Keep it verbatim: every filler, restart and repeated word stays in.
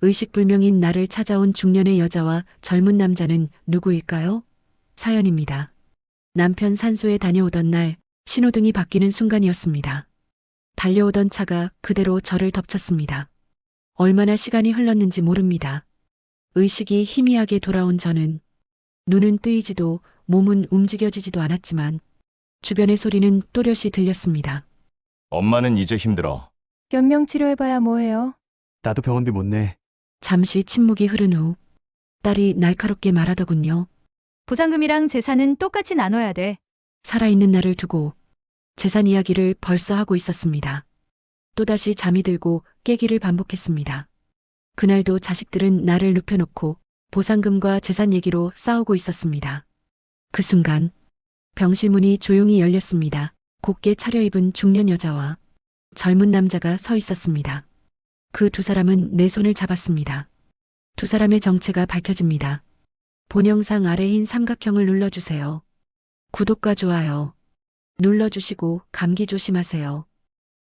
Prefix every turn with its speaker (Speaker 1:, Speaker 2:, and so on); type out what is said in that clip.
Speaker 1: 의식불명인 나를 찾아온 중년의 여자와 젊은 남자는 누구일까요? 사연입니다. 남편 산소에 다녀오던 날 신호등이 바뀌는 순간이었습니다. 달려오던 차가 그대로 저를 덮쳤습니다. 얼마나 시간이 흘렀는지 모릅니다. 의식이 희미하게 돌아온 저는 눈은 뜨이지도 몸은 움직여지지도 않았지만 주변의 소리는 또렷이 들렸습니다.
Speaker 2: 엄마는 이제 힘들어.
Speaker 3: 연명 치료해봐야 뭐해요?
Speaker 4: 나도 병원비 못 내.
Speaker 1: 잠시 침묵이 흐른 후 딸이 날카롭게 말하더군요.
Speaker 3: 보상금이랑 재산은 똑같이 나눠야 돼.
Speaker 1: 살아있는 나를 두고 재산 이야기를 벌써 하고 있었습니다. 또다시 잠이 들고 깨기를 반복했습니다. 그날도 자식들은 나를 눕혀놓고 보상금과 재산 얘기로 싸우고 있었습니다. 그 순간 병실 문이 조용히 열렸습니다. 곱게 차려입은 중년 여자와 젊은 남자가 서 있었습니다. 그 두 사람은 내 손을 잡았습니다. 두 사람의 정체가 밝혀집니다. 본 영상 아래 흰 삼각형을 눌러주세요. 구독과 좋아요 눌러주시고 감기 조심하세요.